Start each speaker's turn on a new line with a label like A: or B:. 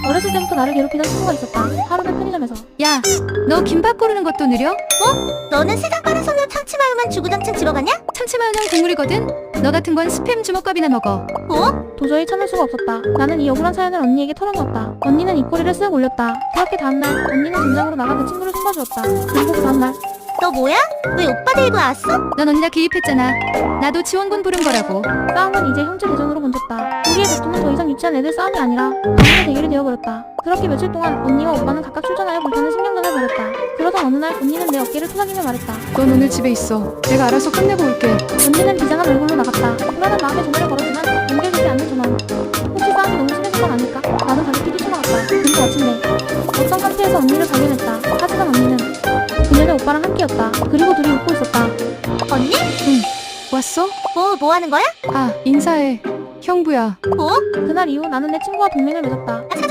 A: 어렸을 때부터 나를 괴롭히던 친구가 있었다. 하루는 편의점에서.
B: 야, 너 김밥 고르는 것도 느려?
C: 너는 세상 빠른 소녀 참치마요만 주구장창 집어가냐?
B: 참치마요는 국물이거든? 너 같은 건 스팸 주먹밥이나 먹어.
A: 도저히 참을 수가 없었다. 나는 이 억울한 사연을 언니에게 털어놓았다. 언니는 입꼬리를 쓱 올렸다. 그렇게 다음날 언니는 전장으로 나가 그 친구를 숨겨주었다. 그리고 그 다음날
C: 너 뭐야? 왜 오빠 데리고 왔어?
B: 넌 언니가 기입했잖아. 나도 지원군 부른 거라고.
A: 싸움은 이제 형제 대전으로 번졌다. 우리의 다툼은 더 이상 유치한 애들 싸움이 아니라 강인의 대결이 되어버렸다. 그렇게 며칠 동안 언니와 오빠는 각각 출전하여 불타는 신경전을 벌였다. 그러던 어느 날 언니는 내 어깨를 토닥이며 말했다.
B: 넌 오늘 집에 있어. 내가 알아서 끝내고 올게.
A: 언니는 비장한 얼굴로 나갔다. 불안한 마음에 전화를 걸었지만 연결되지 않는 전화. 혹시 싸움이 너무 심해진 건 아닐까? 나도 가족끼리 뛰쳐나갔다. 그리고 마침내 어떤 카페에서 언니를 발견했다. 하지만 언니는 그녀네 오빠랑 함께였다. 그리고 둘이 웃고 있었다.
C: 언니?
B: 왔어?
C: 뭐 하는 거야?
B: 아, 인사해. 형부야.
C: 뭐?
A: 그날 이후 나는 내 친구와 동맹을 맺었다.